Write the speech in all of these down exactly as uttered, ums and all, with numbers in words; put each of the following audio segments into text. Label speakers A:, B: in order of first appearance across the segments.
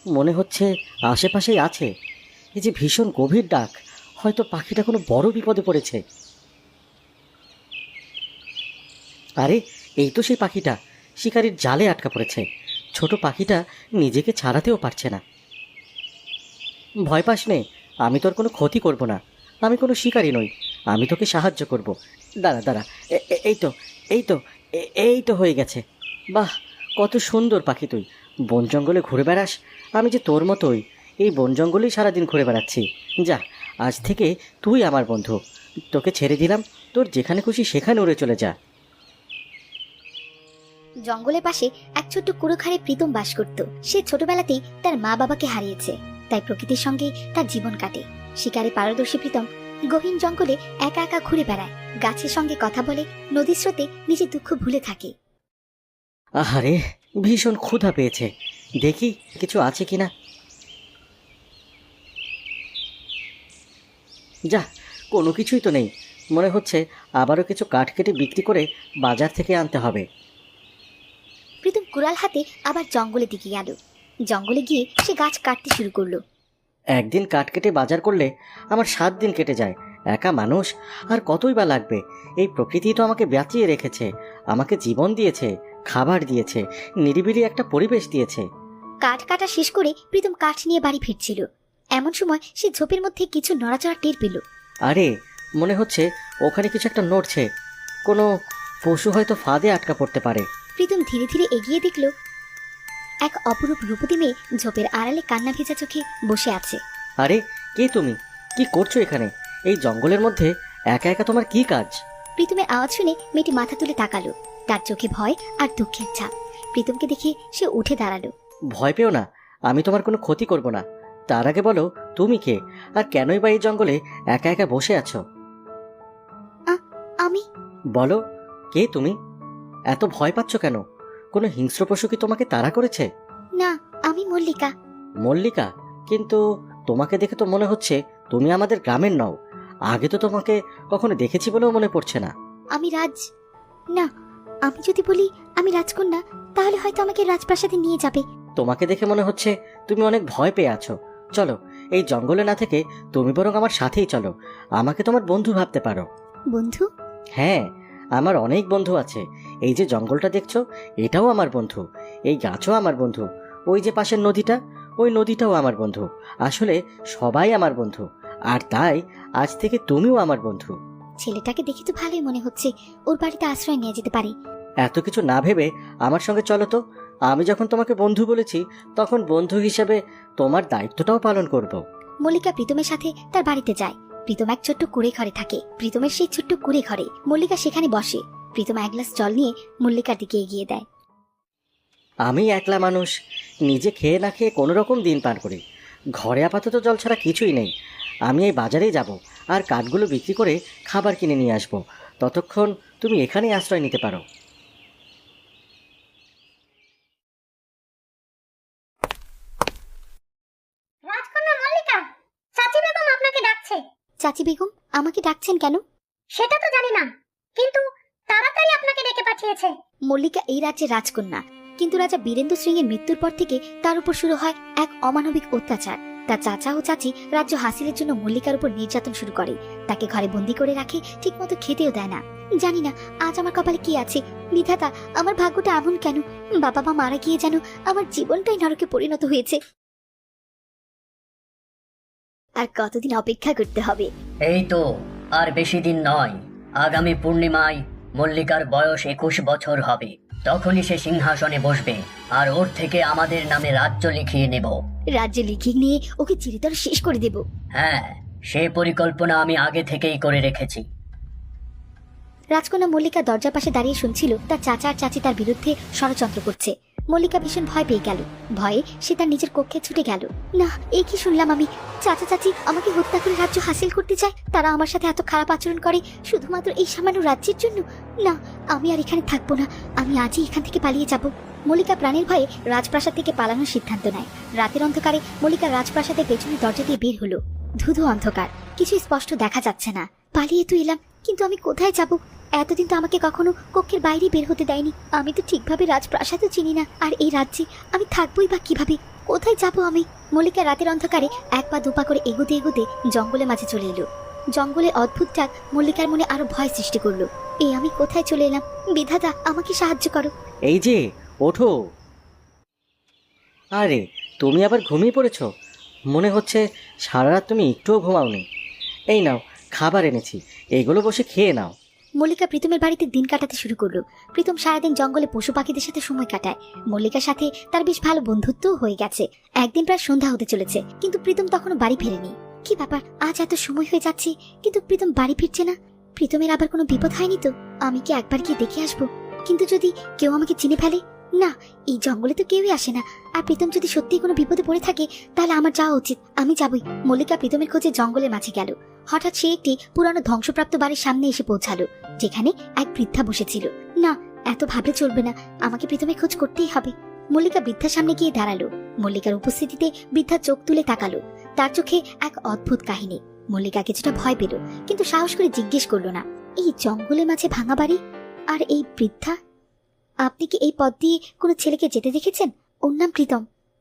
A: মনে হচ্ছে আশেপাশেই আছে। এই যে ভীষণ গভীর ডাক, হয়তো পাখিটা কোনো বড় বিপদে পড়েছে। আরে এই তো সেই পাখিটা, শিকারির জালে আটকা পড়েছে। ছোট পাখিটা নিজেকে ছাড়াতেও পারছে না। ভয় পাস নে, আমি তোর কোনো ক্ষতি করব না। আমি কোনো শিকারী নই, আমি তোকে সাহায্য করব। দাঁড়া দাঁড়া, এ- এ- এই তো এই তো এ- এই তো হয়ে গেছে। বাহ, কত সুন্দর পাখি তুই! বন জঙ্গলে ঘুরে বেড়াস, আমি যে তোর মতোই এই বন জঙ্গলেই সারাদিন ঘুরে বেড়াচ্ছি। যা, আজ থেকে তুই আমার বন্ধু। তোকে ছেড়ে দিলাম, তোর যেখানে খুশি সেখানে উড়ে চলে যা।
B: জঙ্গলের পাশে এক ছোট্ট কুড়োখাড়ে প্রীতম বাস করত। সে ছোটবেলাতেই তার মা বাবাকে হারিয়েছে, তাই প্রকৃতির সঙ্গে তার জীবন কাটে। শিকারে পারদর্শী প্রীতম গহীন জঙ্গলে একা একা ঘুরে বেড়ায়, গাছের সঙ্গে কথা বলে, নদীর স্রোতে নিজের দুঃখ ভুলে থাকে।
A: আহারে, ভীষণ ক্ষুধা পেয়েছে, দেখি কিছু আছে কিনা। যা, কোনো কিছুই তো নেই। মনে হচ্ছে আবারও কিছু কাঠ কেটে বিক্রি করে বাজার থেকে আনতে হবে।
B: প্রীতম কুড়াল হাতে আবার জঙ্গলে দিকে গেল। জঙ্গলে গিয়ে সে গাছ কাটতে শুরু করলো।
A: একদিন কাঠ কেটে বাজার করলে আমার সাত দিন কেটে যায়। একা মানুষ, আর কতই বা লাগবে। এই প্রকৃতি তো আমাকে বাঁচিয়ে রেখেছে, আমাকে জীবন দিয়েছে, খাবার দিয়েছে, নিরিবিলি একটা পরিবেশ দিয়েছে।
B: কাঠ কাটা শেষ করে প্রীতম কাঠ নিয়ে বাড়ি ফিরছিল। এমন সময় সে ঝোপের মধ্যে কিছু নড়াচড়া টের পেল।
A: আরে, মনে হচ্ছে ওখানে কিছু একটা নড়ছে। কোনো পশু হয়তো ফাঁদে আটকা পড়তে পারে।
B: প্রীতম ধীরে ধীরে এগিয়ে দেখল এক অপরূপ রূপতী মেয়ে ঝোপের আড়ালে কান্না ভেজা চোখে বসে আছে।
A: আরে, কে তুমি? কি করছো এখানে, এই জঙ্গলের মধ্যে একা একা? তোমার কি কাজ?
B: প্রীতমের আওয়াজ শুনে মেয়েটি মাথা তুলে তাকালো। তার চোখে ভয় আর দুঃখের ছাপ। প্রীতমকে দেখে সে উঠে দাঁড়ালো।
A: ভয় পেও না, আমি তোমার কোনো ক্ষতি করব না। তার আগে বলো, তুমি কে, আর কেনই বা এই জঙ্গলে একা একা বসে আছো?
B: আমি
A: বলো, কে তুমি? এত ভয় পাচ্ছ কেন? কোনো হিংস্র পশু কি তোমাকে তাড়া করেছে?
B: না, আমি মল্লিকা।
A: মল্লিকা? কিন্তু তোমাকে দেখে তো মনে হচ্ছে তুমি আমাদের গ্রামের নও। আগে তো তোমাকে কখনো দেখেছি বলেও মনে পড়ছে না।
B: আমি রাজ না, আমি যদি বলি আমি রাজকন্যা তাহলে হয়তো আমাকে রাজপ্রাসাদে নিয়ে যাবে।
A: তোমাকে দেখে মনে হচ্ছে তুমি অনেক ভয় পেয়ে আছো। চলো, এই জঙ্গলে না থেকে তুমি বরং আমার সাথেই চলো। আমাকে তোমার বন্ধু ভাবতে পারো।
B: বন্ধু?
A: হ্যাঁ, আমার অনেক বন্ধু আছে। এই যে জঙ্গলটা দেখছো, এটাও আমার বন্ধু। এই গাছও আমার বন্ধু। ওই যে পাশের নদীটা, ওই নদীটাও আমার বন্ধু। আসলে সবাই আমার বন্ধু, আর তাই আজ থেকে তুমিও আমার বন্ধু।
B: ছেলেটাকে দেখে তো ভালোই মনে হচ্ছে, ওর বাড়িতে আশ্রয় নিয়ে যেতে পারি।
A: এত কিছু না ভেবে আমার সঙ্গে চলো তো। আমি যখন তোমাকে বন্ধু বলেছি, তখন বন্ধু হিসেবে তোমার দায়িত্বটাও পালন করব।
B: মল্লিকা প্রীতমের সাথে তার বাড়িতে যায়। প্রীতম এক ছোট্ট কুড়ে ঘরে থাকে। প্রীতমের সেই ছোট্ট কুড়ে ঘরে মল্লিকা সেখানে বসে। প্রীতম এক গ্লাস জল নিয়ে মল্লিকার দিকে এগিয়ে দেয়।
A: আমি একলা মানুষ, নিজে খেয়ে না খেয়ে কোনো রকম দিন পার করি। ঘরে আপাতত জল ছাড়া কিছুই নেই। আমি এই বাজারেই যাব, আর কাঠগুলো বিক্রি করে খাবার কিনে নিয়ে আসব। ততক্ষণ তুমি এখানেই আশ্রয় নিতে পারো।
C: রাজকন্যা মল্লিকা, চাচি বেগম আপনাকে ডাকছে।
B: চাচি বেগম আমাকে ডাকছেন কেন?
C: সেটা তো জানি না, কিন্তু তাড়াতাড়ি আপনাকে ডেকে পাঠিয়েছে।
B: মল্লিকা এই রাজ্যের রাজকন্যা, কিন্তু রাজা বীরেন্দ্র সিং এর মৃত্যুর পর থেকে তার উপর শুরু হয় এক অমানবিক অত্যাচার। তার চাচা ও চাচি রাজ্য হাসিলের জন্য মল্লিকার উপর নির্যাতন শুরু করে। তাকে ঘরে বন্দি করে রাখে, ঠিক মতো খেতেও দেয় না। জানি না আজ আমার কপালে কি আছে। বিধাতা, আমার ভাগ্যটা এমন কেন? বাবা মা মারা গিয়ে যেন আমার জীবনটাই নরকে পরিণত হয়েছে। আর কতদিন অপেক্ষা করতে হবে?
D: এই তো আর বেশি দিন নয়। আগামী পূর্ণিমায় মল্লিকার বয়স একুশ বছর হবে। তখনই সে সিংহাসনে বসবে, আর ওর থেকে আমাদের নামে রাজ্য লিখিয়ে নেব।
B: রাজ্য লিখিয়ে নিয়ে ওকে চিরতরে শেষ করে দেব।
D: হ্যাঁ, সে পরিকল্পনা আমি আগে থেকেই করে রেখেছি।
B: রাজকন্যা মল্লিকা দরজার পাশে দাঁড়িয়ে শুনছিল তার চাচা আর চাচি তার বিরুদ্ধে ষড়যন্ত্র করছে। মল্লিকা ভীষণ ভয় পেয়ে গেল। ভয়ে সে তার নিজের কক্ষে ছুটে গেল। না, এই কি শুনলাম আমি? চাচা চাচি আমাকে হত্যা করে রাজ্য হাসিল করতে চায়। তারা আমার সাথে এত খারাপ আচরণ করে শুধুমাত্র এই সামান্য রাজ্যের জন্য। না, আমি আর এখানে থাকবো না। আমি আজই এখান থেকে পালিয়ে যাব। মল্লিকা প্রাণের ভয়ে রাজপ্রাসাদ থেকে পালানোর সিদ্ধান্ত নেয়। রাতের অন্ধকারে মল্লিকা রাজপ্রাসাদের পেছনে দরজা দিয়ে বের হলো। ধুধু অন্ধকার, কিছু স্পষ্ট দেখা যাচ্ছে না। পালিয়ে তো এলাম, কিন্তু আমি কোথায় যাব? এতদিন তো আমাকে কখনো কক্ষের বাইরে বের হতে দেয়নি। আমি তো ঠিকভাবে রাজপ্রাসাদও চিনি না। আর এই রাজ্যে আমি থাকবোই বা কিভাবে? কোথায় যাবো আমি? মল্লিকা রাতের অন্ধকারে এক পা দুপা করে এগোতে এগোতে জঙ্গলের মাঝে চলে এলো। জঙ্গলের অদ্ভুত ডাক মল্লিকার মনে আরো ভয় সৃষ্টি করলো। এই আমি কোথায় চলে এলাম? বিধাতা আমাকে সাহায্য করো।
A: এই যে, ওঠো। আরে, তুমি আবার ঘুমিয়ে পড়েছো? মনে হচ্ছে সারা রাত তুমি একটুও ঘুমাওনি। এই নাও, খাবার এনেছি, এগুলো বসে খেয়ে নাও।
B: মল্লিকা প্রীতমের বাড়িতে দিন কাটাতে শুরু করলো। প্রীতম সারাদিন জঙ্গলে পশু পাখিদের সাথে সময় কাটায়। মল্লিকার সাথে তার বেশ ভালো বন্ধুত্বও হয়ে গেছে। একদিন প্রায় সন্ধ্যা হতে চলেছে, কিন্তু প্রীতম তখনও বাড়ি ফেরেনি। কি ব্যাপার, আজ এত সময় হয়ে যাচ্ছে কিন্তু প্রীতম বাড়ি ফিরছে না? প্রীতমের আবার কোনো বিপদ হয়নি তো? আমি কি একবার গিয়ে দেখে আসবো? কিন্তু যদি কেউ আমাকে চিনে ফেলে? না, এই জঙ্গলে তো কেউই আসে না। আর প্রীতম যদি সত্যি কোনো বিপদে পড়ে থাকে তাহলে আমার যাওয়া উচিত। আমি যাবই। মল্লিকা প্রীতমের খোঁজে জঙ্গলের মাঝে গেল। হঠাৎ সে একটি পুরানো ধ্বংসপ্রাপ্ত বাড়ির সামনে এসে পৌঁছালো, যেখানে এক বৃদ্ধা বসেছিল। না, এত ভাবলে চলবে না, আমাকে প্রীতমের খোঁজ করতেই হবে। মল্লিকা বৃদ্ধার সামনে গিয়ে দাঁড়ালো। মল্লিকার উপস্থিতিতে বৃদ্ধা চোখ তুলে তাকালো। তার চোখে এক অদ্ভুত কাহিনী। মল্লিকা কিছুটা ভয় পেল, কিন্তু সাহস করে জিজ্ঞেস করলো না, এই জঙ্গলের মাঝে ভাঙা বাড়ি আর এই বৃদ্ধা, আপনি কি এই পথ দিয়ে কোনো ছেলেকে যেতে দেখেছেন? ওর নাম প্রীতম।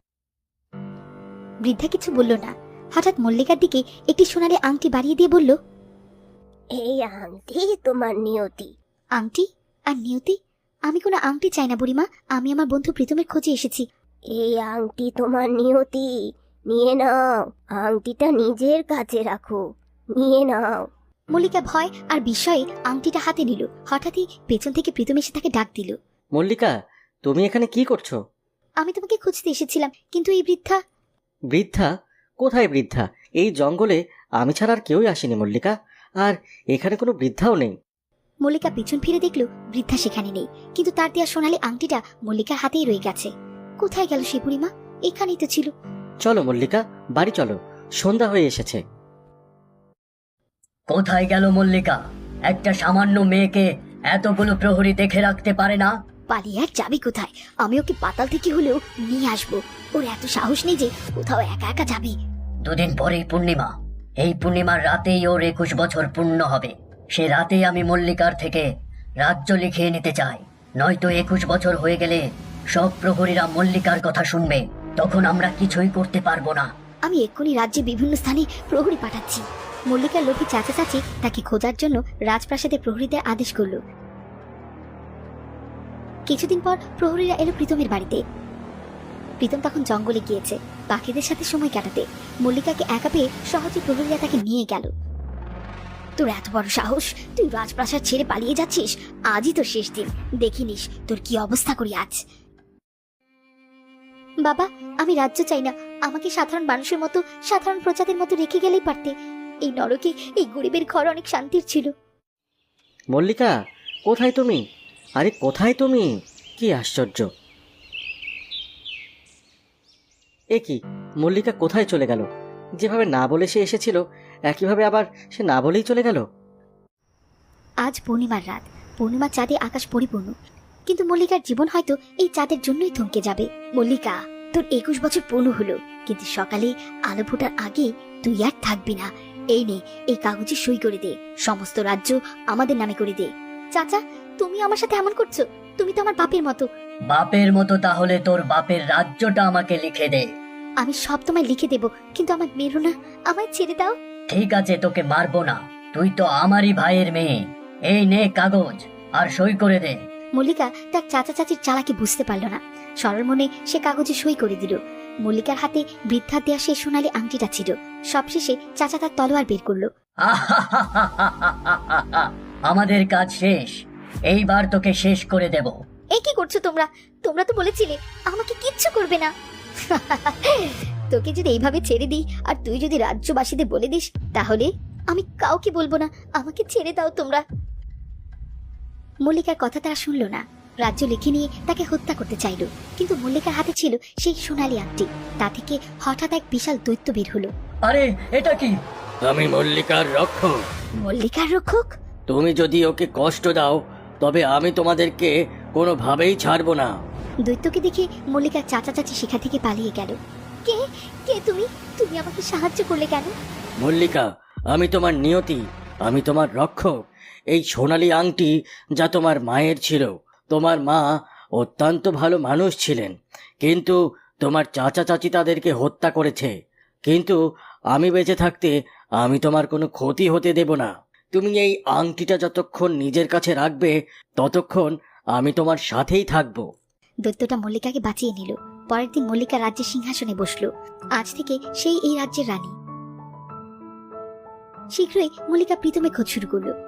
B: বৃদ্ধা কিছু বলল না। হঠাৎ মল্লিকার দিকে একটি সোনালী আংটি বাড়িয়ে দিয়ে বলল,
C: এই আংটি তোমার নিয়তি।
B: আংটি? আর নিয়তি? আমি কোনো আংটি চাই না বুড়িমা, আমি আমার বন্ধু প্রীতমের খোঁজে এসেছি।
C: এই আংটি তোমার নিয়তি, নিয়ে নাও। আংটিটা নিজের কাছে রাখো, নিয়ে নাও।
B: মল্লিকা ভয় আর বিস্ময়ে আংটিটা হাতে নিল। হঠাৎই পেছন থেকে প্রীতম এসে তাকে ডাক দিল।
A: মল্লিকা, তুমি এখানে কি করছো?
B: আমি তোমাকে খুঁজতে এসেছিলাম, কিন্তু এই বৃদ্ধা।
A: বৃদ্ধা? কোথায় বৃদ্ধা? এই জঙ্গলে আমি ছাড়া আর কেউই আসেনি মল্লিকা, আর এখানে কোনো বৃদ্ধাও নেই।
B: মল্লিকা পিছন ফিরে দেখল বৃদ্ধা সেখানে নেই, কিন্তু তার দেয়া সোনালী আংটিটা মল্লিকার হাতেই রয়ে গেছে। কোথায় গেল সে বুড়িমা? এখানেই তো ছিল।
A: চলো মল্লিকা, বাড়ি চলো, সন্ধ্যা হয়ে এসেছে।
D: কোথায় গেল মল্লিকা? একটা সামান্য মেয়েকে এতগুলো প্রহরী দেখে রাখতে পারে না?
B: পালিয়ে আর যাবি কোথায়? আমি ওকে পাতাল থেকে হলেও নিয়ে আসবো। ওর এত সাহস নেই যে কোথাও একা একা যাবে।
D: দুদিন পরেই পূর্ণিমা। এই পূর্ণিমার রাতেই ওর একুশ বছর পূর্ণ হবে। সে রাতেই আমি মল্লিকার থেকে রাজ্য লিখিয়ে নিতে চাই, নয়তো একুশ বছর হয়ে গেলে সব প্রহরীরা মল্লিকার কথা শুনবে, তখন আমরা কিছুই করতে পারবো না।
B: আমি এক্ষুনি রাজ্যে বিভিন্ন স্থানে প্রহরী পাঠাচ্ছি। মল্লিকার লোভী চাচা চাচি তাকে খোঁজার জন্য রাজপ্রাসাদে প্রহরীদের আদেশ করল। কিছুদিন পর প্রহরীরা এলো প্রীতমের বাড়িতে। প্রীতম তখন জঙ্গলে গিয়েছে পাখিদের সাথে সময় কাটাতে। মল্লিকাকে একা পেয়ে সহজে প্রহরীরা তাকে নিয়ে গেল। তোর এত বড় সাহস, তুই রাজপ্রাসাদ ছেড়ে পালিয়ে যাচ্ছিস? আজই তোর শেষ দিন, দেখিনিস তোর কি অবস্থা করি আজ। বাবা, আমি রাজ্য চাই না, আমাকে সাধারণ মানুষের মতো, সাধারণ প্রজাদের মতো রেখে গেলেই পারতে। এই নরকে এই গরিবের ঘর অনেক শান্তির ছিল।
A: মল্লিকা, কোথায় তুমি? আরে কোথায় তুমি? কি আশ্চর্য! এ কি, মল্লিকা কোথায় চলে গেল? যেভাবে না বলে সে এসেছিল একইভাবে আবার সে না বলেই চলে গেল।
B: আজ পূর্ণিমার রাত, পূর্ণিমার চাঁদে আকাশ পরিপূর্ণ, কিন্তু মল্লিকার জীবন হয়তো এই চাঁদের জন্যই থমকে যাবে। মল্লিকা, তোর একুশ বছর পূর্ণ হলো, কিন্তু সকালে আলো ফোটার আগে তুই আর থাকবি না। এই নে, এই কাগজে সই করে দে, সমস্ত রাজ্য আমাদের নামে করে দে। চাচা, তুমি আমার সাথে এমন করছো? তুমি তো আমার বাপের মতো।
D: বাপের মতো? তাহলে তোর বাপের রাজ্যটা আমাকে লিখে দে।
B: আমি সব তোমায় লিখে দেব, কিন্তু আমার মেরো না, আমায় ছেড়ে দাও।
D: ঠিক আছে, তোকে মারবো না, তুই তো আমারই ভাইয়ের মেয়ে। এই নে কাগজ, আর সই করে দে।
B: মল্লিকা তার চাচা চাচির চালাকি বুঝতে পারল না। সরল মনে সে কাগজে সই করে দিল। মল্লিকার হাতে বৃদ্ধার দেয়া সেই সোনালী আংটিটা ছিল। সবশেষে চাচা তার তলোয়ার বের করলো।
D: আমাদের কাজ শেষ, এইবার তোকে শেষ করে দেব।
B: এ কি করছো তোমরা? তোমরা তো বলেছিলে আমাকে কিচ্ছু করবে না। তোকে যদি এইভাবে ছেড়ে দিই আর তুই যদি রাজ্যবাসীদের বলে দিস, তাহলে আমি কাউকে বলবো না। আমাকে ছেড়ে দাও তোমরা। মল্লিকার কথা তারা শুনল না। রাজ্য লিখে নিয়ে তাকে হত্যা করতে চাইল, কিন্তু মল্লিকার হাতে ছিল সেই সোনালী আংটি। তা থেকে হঠাৎ এক বিশাল দৈত্য বের হলো।
D: আরে এটা কি?
A: আমি মল্লিকার রক্ষক।
B: মল্লিকার রক্ষক?
A: তুমি যদি ওকে কষ্ট দাও তবে আমি তোমাদেরকে কোনোভাবেই ছাড়বো না।
B: দৈত্যকে দেখে মল্লিকার চাচা চাচি সেখান থেকে পালিয়ে গেল। কে কে তুমি? তুমি আমাকে সাহায্য করলে কেন?
A: মল্লিকা, আমি তোমার নিয়তি, আমি তোমার রক্ষক। এই সোনালী আংটি যা তোমার মায়ের ছিল, তোমার মা অত্যন্ত ভালো মানুষ ছিলেন, কিন্তু তোমার চাচা চাচি তাদেরকে হত্যা করেছে, কিন্তু আমি বেঁচে থাকতে আমি তোমার কোনো ক্ষতি হতে দেব না। তুমি এই আংটিটা যতক্ষণ নিজের কাছে রাখবে ততক্ষণ আমি তোমার সাথেই থাকবো।
B: দৈত্যটা মল্লিকাকে বাঁচিয়ে নিল। পরের দিন মল্লিকা রাজ্যের সিংহাসনে বসলো। আজ থেকে সেই এই রাজ্যের রানী। শীঘ্রই মল্লিকা প্রীতমের খোঁজ শুরু করলো।